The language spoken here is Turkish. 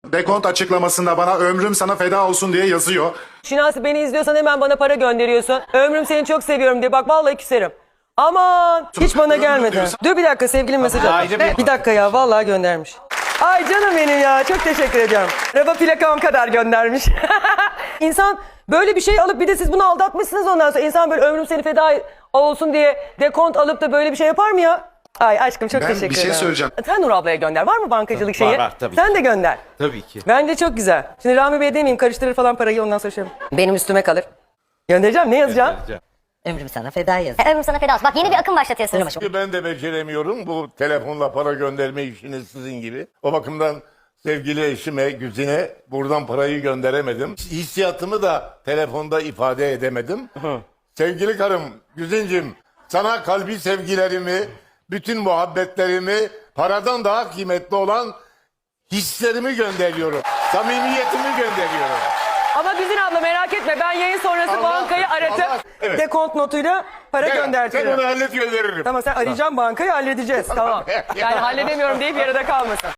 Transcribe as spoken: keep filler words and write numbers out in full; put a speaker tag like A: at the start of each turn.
A: dekont açıklamasında bana ömrüm sana feda olsun diye yazıyor.
B: Şinasi beni izliyorsan hemen bana para gönderiyorsun. Ömrüm seni çok seviyorum diye. Bak vallahi küserim. Aman hiç bana
A: Ömrüm
B: gelmedi.
A: diyorsan-
B: Dur bir dakika sevgilim mesaj atmış.
C: ayrı bir-
B: Bir dakika ya vallahi göndermiş. Ay canım benim ya çok teşekkür ediyorum. Araba plakam kadar göndermiş. İnsan böyle bir şey alıp bir de siz bunu aldatmışsınız ondan sonra. İnsan böyle ömrüm seni feda olsun diye dekont alıp da böyle bir şey yapar mı ya? Ay aşkım çok
A: Ben
B: teşekkür
A: bir
B: ederim.
A: şey söyleyeceğim.
B: Sen Nur ablaya gönder. Var mı bankacılık şeyi?
C: Var, var, tabii
B: Sen
C: ki.
B: de gönder.
C: Tabii ki.
B: Bence çok güzel. Şimdi Rami Bey demeyeyim karıştırır falan parayı ondan sonra şey yapayım. Benim üstüme kalır. Göndereceğim ne yazacağım?
D: Ömrüm sana feda yaz.
E: Ömrüm sana feda olsun. Bak yeni bir akım başlatıyorsunuz.
F: Ben de beceremiyorum bu telefonla para gönderme işini sizin gibi. O bakımdan sevgili eşime, Güzine buradan parayı gönderemedim. Hissiyatımı da telefonda ifade edemedim. Sevgili karım Güzincim, sana kalbi sevgilerimi, bütün muhabbetlerimi, paradan daha kıymetli olan hislerimi gönderiyorum. Samimiyetimi gönderiyorum.
B: Ama Güzin abla merak etme ben yayın sonrası
F: Allah-
B: bankayı aratıp
F: Allah- evet.
B: dekont notuyla para
F: Sen
B: göndertirim.
F: onu hallet gönderirim.
B: Tamam sen arayacağım bankayı halledeceğiz tamam. Yani halledemiyorum deyip yarıda kalmasın.